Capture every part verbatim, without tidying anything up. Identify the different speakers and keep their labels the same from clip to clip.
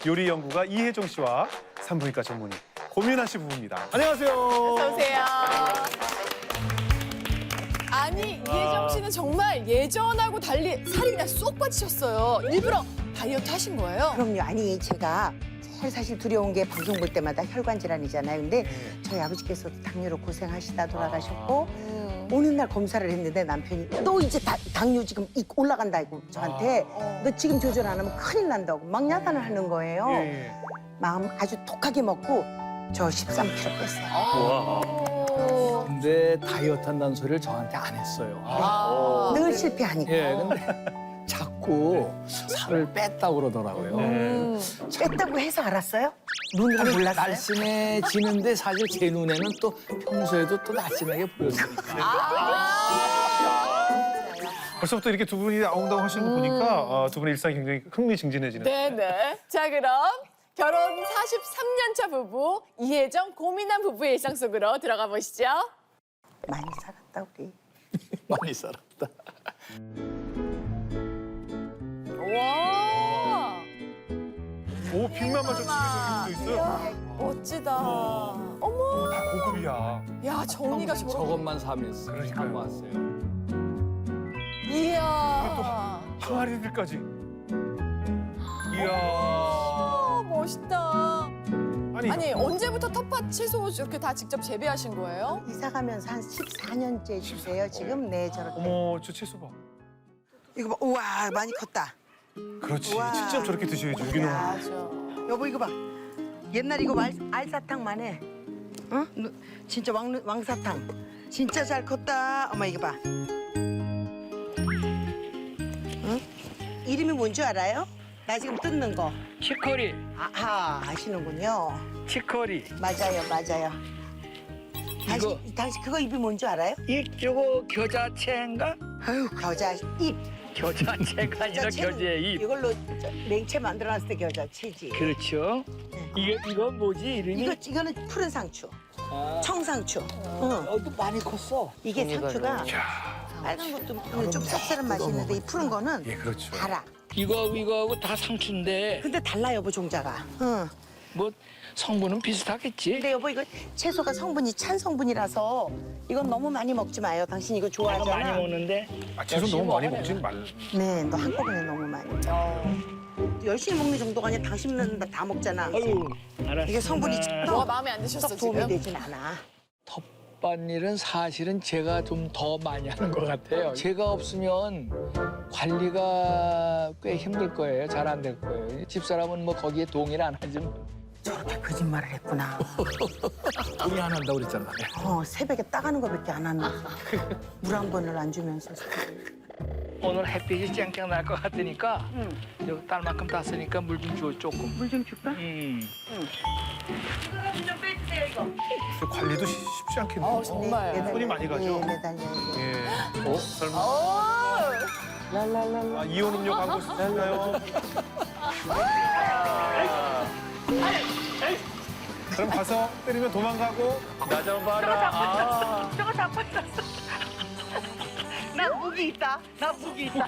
Speaker 1: 요리 연구가 이혜정 씨와 산부인과 전문의 고민아 씨 부부입니다. 안녕하세요.
Speaker 2: 어서 오세요. 아니 이혜정 씨는 정말 예전하고 달리 살이 그냥 쏙 빠지셨어요. 일부러 다이어트 하신 거예요?
Speaker 3: 그럼요. 아니 제가 제일 사실 두려운 게 방송 볼 때마다 혈관 질환이잖아요. 근데 저희 아버지께서 당뇨로 고생하시다 돌아가셨고
Speaker 2: 음.
Speaker 3: 어느 날 검사를 했는데 남편이 너 이제 다, 당뇨 지금 이- 올라간다고 저한테 너 지금 조절 안 하면 큰일 난다고 막 야단을 하는 거예요.
Speaker 1: 예, 예.
Speaker 3: 마음 아주 독하게 먹고 저 십삼 킬로그램 뺐어요.
Speaker 2: 오.
Speaker 4: 근데 다이어트 한다는 소리를 저한테 안 했어요.
Speaker 2: 아.
Speaker 3: 늘 실패하니까.
Speaker 4: 예, 근데 자꾸 살을 뺐다고 그러더라고요.
Speaker 2: 음.
Speaker 3: 뺐다고 해서 알았어요? 눈으로 몰랐어요?
Speaker 4: 날씬해지는데 사실 제 눈에는 또 평소에도 또 날씬하게 보였으니까.
Speaker 1: 벌써부터 이렇게 두 분이 아웅다웅 하시는 거 보니까 어, 두 분의 일상이 굉장히 흥미진진해지는.
Speaker 2: 네네. 자 그럼 결혼 사십삼 년 차 부부 이혜정 고민한 부부의 일상 속으로 들어가 보시죠.
Speaker 3: 많이 살았다 우리.
Speaker 4: 많이 살았다.
Speaker 2: 와.
Speaker 1: 오, 빅맘만 좀
Speaker 2: 아,
Speaker 1: 치면서 있어요.
Speaker 2: 이야, 멋지다. 어머.
Speaker 1: 다 고급이야.
Speaker 2: 야 정리가 저렇게.
Speaker 4: 저것만 사면서
Speaker 1: 그러니까요.
Speaker 4: 사고 왔어요.
Speaker 2: 이야.
Speaker 1: 항아리들까지. 이야.
Speaker 2: 아, 멋있다.
Speaker 1: 아니,
Speaker 2: 아니 언제부터 텃밭 채소 이렇게 다 직접 재배하신 거예요?
Speaker 3: 이사 가면서 한 십사 년째 주세요. 지금 네 저렇게.
Speaker 1: 어머, 저 채소 봐.
Speaker 3: 이거 봐. 우와 많이 컸다.
Speaker 1: 그렇지.
Speaker 3: 우와.
Speaker 1: 직접 저렇게 드셔야죠, 유기농.
Speaker 2: 맞아.
Speaker 3: 여보 이거 봐. 옛날 이거 알, 알사탕만 해. 응? 누- 진짜 왕, 왕사탕. 진짜 잘 컸다. 엄마 이거 봐. 응? 이름이 뭔지 알아요? 나 지금 뜯는 거.
Speaker 5: 치커리,
Speaker 3: 아하 아시는군요.
Speaker 5: 치커리.
Speaker 3: 맞아요 맞아요. 당신, 당신 그거 입이 뭔지 알아요?
Speaker 5: 이쪽은 겨자채인가?
Speaker 3: 아유 겨자 잎.
Speaker 5: 겨자채가 아니라
Speaker 3: 겨자채는
Speaker 5: 겨자의 잎.
Speaker 3: 이걸로 저, 냉채 만들어놨을 때 겨자채지.
Speaker 5: 그렇죠. 이게 이건 뭐지 이름이?
Speaker 3: 이거 이거는 푸른 상추. 청상추. 응.
Speaker 4: 어, 또 많이 컸어.
Speaker 3: 이게 상추가 빨간 것도 좀 쌉쌀한 맛이 있는데 이 푸른 거는
Speaker 1: 예, 그렇죠.
Speaker 3: 달아.
Speaker 5: 이거 이거하고 다 상추인데
Speaker 3: 근데 달라 여보 종자가. 응.
Speaker 5: 뭐 성분은 비슷하겠지.
Speaker 3: 근데 여보 이거 채소가 성분이 찬 성분이라서 이건 너무 많이 먹지 마요. 당신 이거
Speaker 5: 내가
Speaker 3: 좋아하잖아.
Speaker 5: 많이 먹는데
Speaker 1: 아, 채소 너무 많이 먹진 말.
Speaker 3: 네, 너 한꺼번에 너무 많이. 열심히 먹는 정도가 아니라 당신은 다 먹잖아.
Speaker 5: 아유 알았어.
Speaker 3: 이게 성분이
Speaker 2: 뭐가 마음에 안 드셨어
Speaker 3: 썩 도움이
Speaker 2: 지금?
Speaker 3: 되진 않아.
Speaker 4: 텃밭일은 사실은 제가 좀 더 많이 하는 것 같아요. 제가 없으면 관리가 꽤 힘들 거예요. 잘 안 될 거예요. 집사람은 뭐 거기에 동의를 안 하지만
Speaker 3: 저렇게 거짓말을 했구나.
Speaker 4: 동의 안 한다고 그랬잖아요.
Speaker 3: 어, 새벽에 따가는 거밖에 안 하면서 물 한 번을 안 주면서.
Speaker 5: 오늘 햇빛이 쨍쨍 날 것 같으니까 여기 딸만큼 땄으니까 물 좀 줘 조금.
Speaker 3: 물 좀 줄까?
Speaker 5: 음.
Speaker 1: 저 관리도 쉽- 쉽지 않겠네요.
Speaker 2: 어, 정말.
Speaker 3: 매달려.
Speaker 1: 손이 많이 가죠?
Speaker 3: 예, 매달려야 돼.
Speaker 1: 예. 어? 설마.
Speaker 2: 오.
Speaker 3: 랄랄랄라.
Speaker 1: 아, 이온 음료 광고 쓰시나요? 그럼 가서 때리면 도망가고. 나 좀 봐라. 아.
Speaker 3: 나 무기 있다. 나 무기 있다.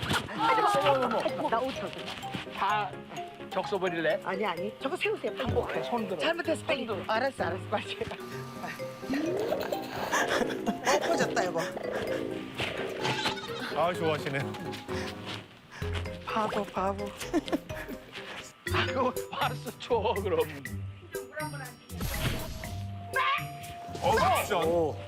Speaker 3: 나 오천.
Speaker 5: 다 적셔 버릴래?
Speaker 3: 아니 아니. 저거 세우세요. 반복해.
Speaker 5: 손 들어.
Speaker 3: 잘못했어. 빨리. 알았어 알았어. 빨리. 어, 퍼졌다 여보.
Speaker 1: 아, 좋아하시네.
Speaker 3: 바보 바보.
Speaker 5: 아이고 알았어 줘 그럼.
Speaker 1: 어, 진짜.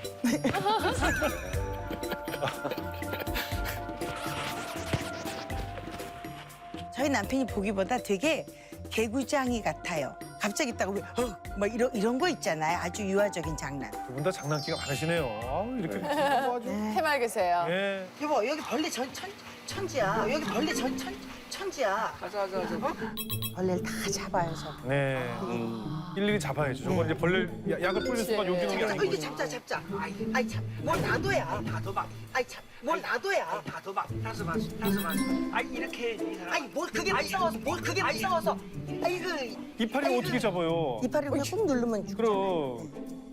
Speaker 3: 저희 남편이 보기보다 되게 개구장이 같아요. 갑자기 딱 우리 어막 이런 이런 거 있잖아요. 아주 유아적인 장난.
Speaker 1: 두 분 다 장난기가 많으시네요. 아, 이렇게 뭐 아주.
Speaker 2: 해맑으세요.
Speaker 1: 예.
Speaker 3: 여보 여기 벌레 전 천, 천지야. 여기 벌레 전 천, 천지야.
Speaker 4: 가자, 가자, 가자.
Speaker 3: 벌레를 다 잡아요 저.
Speaker 1: 네. 일일이 잡아야죠. 저거 이제 벌레 야- 약을 뿌리는 순간
Speaker 2: 그치.
Speaker 1: 요기농이
Speaker 3: 어,
Speaker 1: 아니고.
Speaker 3: 이게 잡자 잡자. 아이, 아이 참. 뭘 놔둬야.
Speaker 5: 다도박.
Speaker 3: 아이 참. 뭘 놔둬야.
Speaker 5: 다도박. 다섯 마시. 다섯 마시. 아 이렇게 해야지 이 사람.
Speaker 3: 아이 뭘 그게 무서워서 뭘 그게 무서워서. 아이고.
Speaker 1: 이파리를 어떻게 잡아요?
Speaker 3: 이파리 그냥 꾹 누르면 죽.
Speaker 1: 그럼.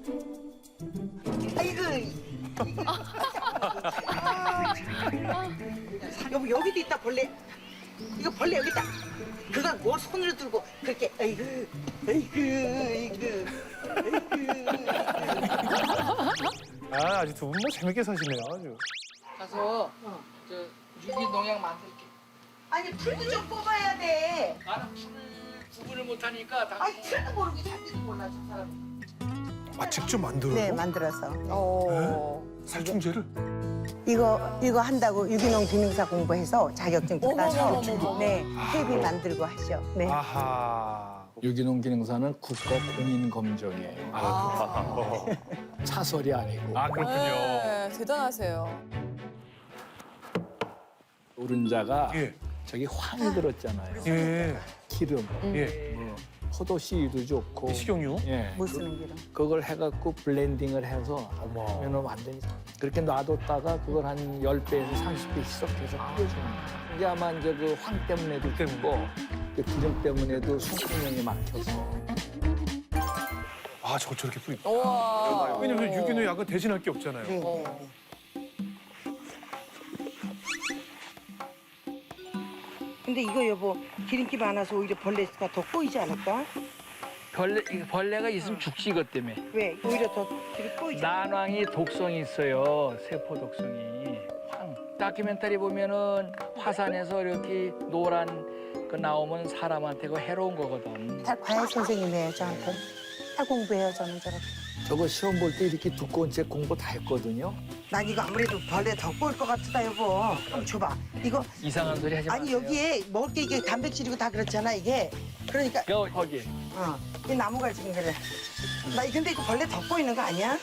Speaker 3: 아이고. 여보 여기도 있다 벌레. 이거 벌레 여기다. 그걸 뭘 손으로 들고 그렇게 아이고 아이고 아이고 아이고.
Speaker 1: 아 아주 두 분 뭐 재밌게 사시네요. 아주.
Speaker 4: 가서 저 유기농약 만들게.
Speaker 3: 아니 풀도 좀 뽑아야 돼.
Speaker 4: 나는 풀 구분을 못하니까 다.
Speaker 3: 아니 풀도 모르고 잡지도 몰라 저 사람.
Speaker 1: 아 직접 만들어요?
Speaker 3: 네 만들어서.
Speaker 2: 어.
Speaker 1: 살충제를?
Speaker 3: 이거 이거 한다고 유기농 기능사 공부해서 자격증 따서
Speaker 2: 어머머머머.
Speaker 3: 네 퇴비 만들고 하죠. 네.
Speaker 1: 아하.
Speaker 4: 유기농 기능사는 국가 공인 검정이에요.
Speaker 1: 아,
Speaker 4: 차설이 아니고.
Speaker 1: 아 그렇군요.
Speaker 2: 네, 대단하세요.
Speaker 4: 노른자가
Speaker 1: 예.
Speaker 4: 저기 황이 들었잖아요.
Speaker 1: 예.
Speaker 4: 기름,
Speaker 1: 예.
Speaker 4: 뭐 포도씨도 좋고.
Speaker 1: 식용유?
Speaker 4: 예.
Speaker 3: 못 쓰는 기름.
Speaker 4: 그걸 해갖고 블렌딩을 해서
Speaker 1: 어머.
Speaker 4: 하면 완전히 그렇게 놔뒀다가 그걸 한 십 배에서 삼십 배 희석해서 뿌려주는 거예요. 이게 아마 이제 그 황 때문에도 있고 그 기름 때문에도 손구멍이 막혀서
Speaker 1: 아 저거 저렇게 뿌리.
Speaker 2: 우와.
Speaker 1: 왜냐면 유기농 약은 대신할 게 없잖아요.
Speaker 3: 네.
Speaker 2: 어.
Speaker 3: 근데 이거 여보 기름기 많아서 오히려 벌레가 더 꼬이지 않을까?
Speaker 5: 벌레 이거 벌레가 있으면 죽지 이것 때문에.
Speaker 3: 왜? 오히려 더 기름 꼬이지.
Speaker 5: 난황이 독성이 있어요. 세포 독성이. 황. 다큐멘터리 보면은 화산에서 이렇게 노란 그 나오면 사람한테 그 해로운 거거든.
Speaker 3: 다 과외 선생님이에요 저한테. 다 공부해요 저는 저렇게.
Speaker 4: 저거 시험 볼 때 이렇게 두꺼운 책 공부 다 했거든요.
Speaker 3: 난 이거 아무래도 벌레 더 꼬일 것 같다 여보. 한번 줘봐. 이거
Speaker 5: 이상한 소리 하지 마세요.
Speaker 3: 아니 여기에 먹을 게 이게 단백질이고 다 그렇잖아 이게. 그러니까
Speaker 5: 거, 거기.
Speaker 3: 어, 이 나무가 지금 그래. 나 근데 이거 벌레 더 꼬이는 거 아니야?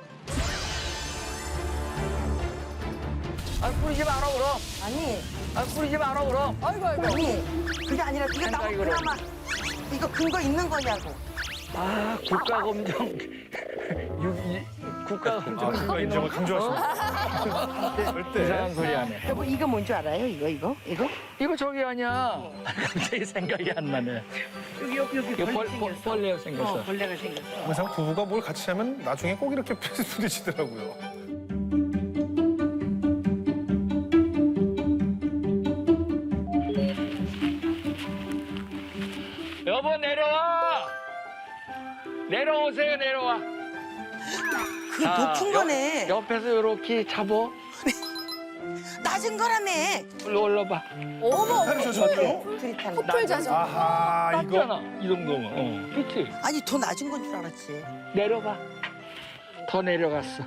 Speaker 5: 아 뿌리지 마라 그럼.
Speaker 3: 아니
Speaker 5: 아 뿌리지 마라 그럼.
Speaker 2: 아이고 아이고.
Speaker 3: 아니 그게 아니라 이거 나무
Speaker 5: 생각이 그럼.
Speaker 3: 그나마 이거 근거 있는 거냐고.
Speaker 5: 아 국가검정. 유, 이, 국가검정.
Speaker 1: 아 그거 인정을 강조하십니다. 절대.
Speaker 5: 이상한 소리 안 해.
Speaker 3: 여보 이거 뭔 줄 알아요? 이거 이거 이거?
Speaker 5: 이거 저기 아니야. 갑자기 생각이 안 나네.
Speaker 3: 여기 여기 여기
Speaker 5: 이거 벌, 벌, 벌레가 생겼어.
Speaker 3: 어, 벌레가 생겼어.
Speaker 1: 항상 부부가 뭘 같이 하면 나중에 꼭 이렇게 부딪히더라고요.
Speaker 5: 여보 내려와. 내려오세요 내려와.
Speaker 3: 그
Speaker 5: 자,
Speaker 3: 높은
Speaker 5: 옆-
Speaker 3: 거네.
Speaker 5: 옆에서 이렇게 잡어.
Speaker 3: 낮은 거라며.
Speaker 5: 올라 올라봐.
Speaker 2: 어머.
Speaker 1: 팔이 젖었죠?
Speaker 3: 둘이 타는.
Speaker 2: 커플 자전거.
Speaker 1: 아하 이거.
Speaker 5: 땄잖아 이 정도면. 어. 그렇지.
Speaker 3: 아니 더 낮은 건 줄 알았지.
Speaker 5: 내려봐. 더 내려갔어.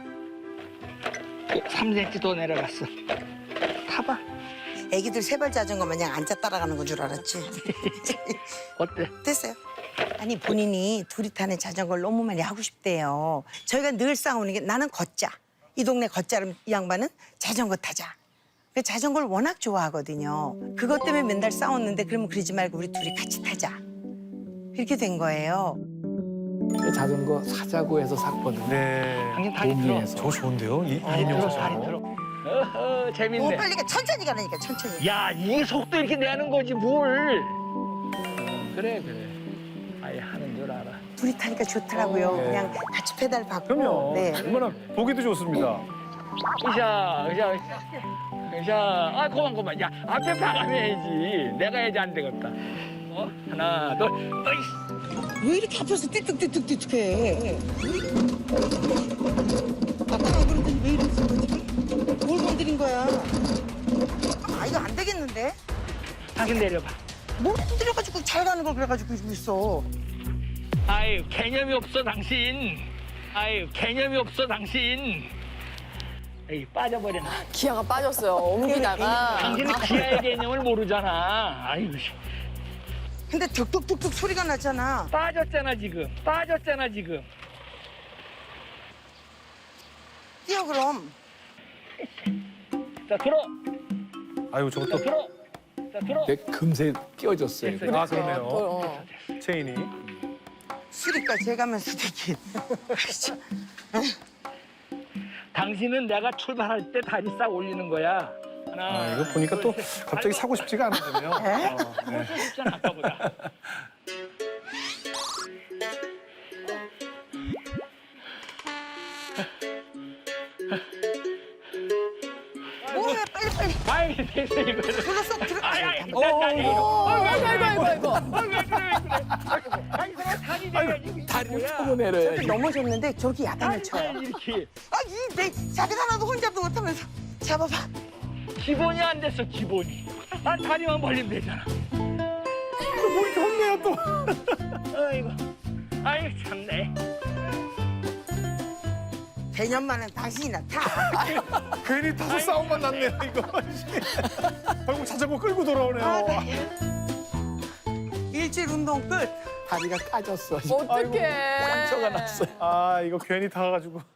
Speaker 5: 삼 센티미터 더 내려갔어. 타봐.
Speaker 3: 애기들 세발 자전거 마냥 앉아 따라가는 건 줄 알았지.
Speaker 5: 어때?
Speaker 3: 됐어요. 아니 본인이 둘이 타는 자전거를 너무 많이 하고 싶대요. 저희가 늘 싸우는 게 나는 걷자. 이 동네 걷자를 이 양반은 자전거 타자. 그 자전거를 워낙 좋아하거든요. 그것 때문에 맨날 싸웠는데 그러면 그러지 말고 우리 둘이 같이 타자. 이렇게 된 거예요.
Speaker 4: 자전거 사자고 해서 샀거든요.
Speaker 1: 네.
Speaker 5: 당신 다리 들어.
Speaker 4: 동의해서.
Speaker 1: 저 좋은데요? 이
Speaker 5: 다리
Speaker 1: 이인용
Speaker 5: 들어.
Speaker 1: 사장.
Speaker 5: 다리 들어. 어허
Speaker 3: 뭐
Speaker 5: 재밌네.
Speaker 3: 빨리 가 천천히 가라니까 천천히.
Speaker 5: 야 이게 속도 이렇게 내는 거지 뭘. 어, 그래 그래. 아예 하는 줄 알아.
Speaker 3: 둘이 타니까 좋더라고요.
Speaker 1: 네.
Speaker 3: 그냥 같이 페달 밟고.
Speaker 1: 그럼요.
Speaker 3: 네.
Speaker 1: 얼마나 보기도 좋습니다.
Speaker 5: 으쌰 으쌰 으쌰. 아 그만 그만. 야 앞에 나가야지. 내가 해야지 안 되겠다. 어 하나 둘. 어이.
Speaker 3: 왜 이렇게 앞에서 띠뚝띠뚝띠뚝해? 아까 안 그러더니 왜 이러는 거지? 뭘 건드린 거야? 아 이거 안 되겠는데?
Speaker 5: 당신 내려봐.
Speaker 3: 뭘 건드려가지고 잘 가는 걸 그래가지고 이러고 있어.
Speaker 5: 아유 개념이 없어 당신. 아유 개념이 없어 당신. 에이 빠져버렸네.
Speaker 2: 기아가 빠졌어요. 옮기다가.
Speaker 5: 당신은 기아의 개념을 모르잖아. 아이고 씨.
Speaker 3: 근데 득득득득 소리가 나잖아.
Speaker 5: 빠졌잖아 지금. 빠졌잖아 지금.
Speaker 3: 뛰어 그럼.
Speaker 5: 자 들어.
Speaker 1: 아유
Speaker 5: 자
Speaker 1: 저것도.
Speaker 5: 들어. 자 들어.
Speaker 4: 근데 금세 끼워졌어요.
Speaker 5: 됐어요.
Speaker 1: 아 그러네요.
Speaker 2: 어.
Speaker 1: 체인이.
Speaker 3: 수리까지 해가면서 되긴.
Speaker 5: 당신은 내가 출발할 때 다리 싹 올리는 거야. 하나.
Speaker 1: 아 이거 보니까 또
Speaker 5: 둘, 셋.
Speaker 1: 갑자기
Speaker 5: 아이고,
Speaker 1: 사고 싶지가 않은데요. 어, 네.
Speaker 5: 훨씬 쉽잖아 아까보다.
Speaker 3: 뭐해 빨리 빨리.
Speaker 5: 아이 됐어 이거.
Speaker 3: 불러 쏙 들어.
Speaker 5: 아이, 아이. 아이고, 나, 나, 이거.
Speaker 2: 어, 아이고, 아이고, 아이고, 아이고.
Speaker 5: 아, 왜 그래, 왜 그래. 아이고, 아니, 내가 다리 내가지고 이거
Speaker 4: 다리를
Speaker 5: 뭐야.
Speaker 4: 펴고 내려야지.
Speaker 3: 넘어졌는데 저렇게 야단을 쳐요.
Speaker 5: 아니, 이렇게.
Speaker 3: 아, 이내 자켓 하나도 혼잡도 못하면서 잡아봐.
Speaker 5: 기본이 안 됐어, 기본이. 난 다리만 벌리면 되잖아.
Speaker 1: 뭐 이렇게 혼내요 또.
Speaker 5: 아이고, 아이고, 참네.
Speaker 3: 개념만은 당신이나 타.
Speaker 1: 괜히 다섯 싸움만 났네 이거. 결국 자전거 끌고 돌아오네요.
Speaker 3: 아, 네. 일주일 운동 끝.
Speaker 4: 다리가 까졌어.
Speaker 2: 어떡해.
Speaker 4: 상처가 났어요.
Speaker 1: 아 이거 괜히 타가지고.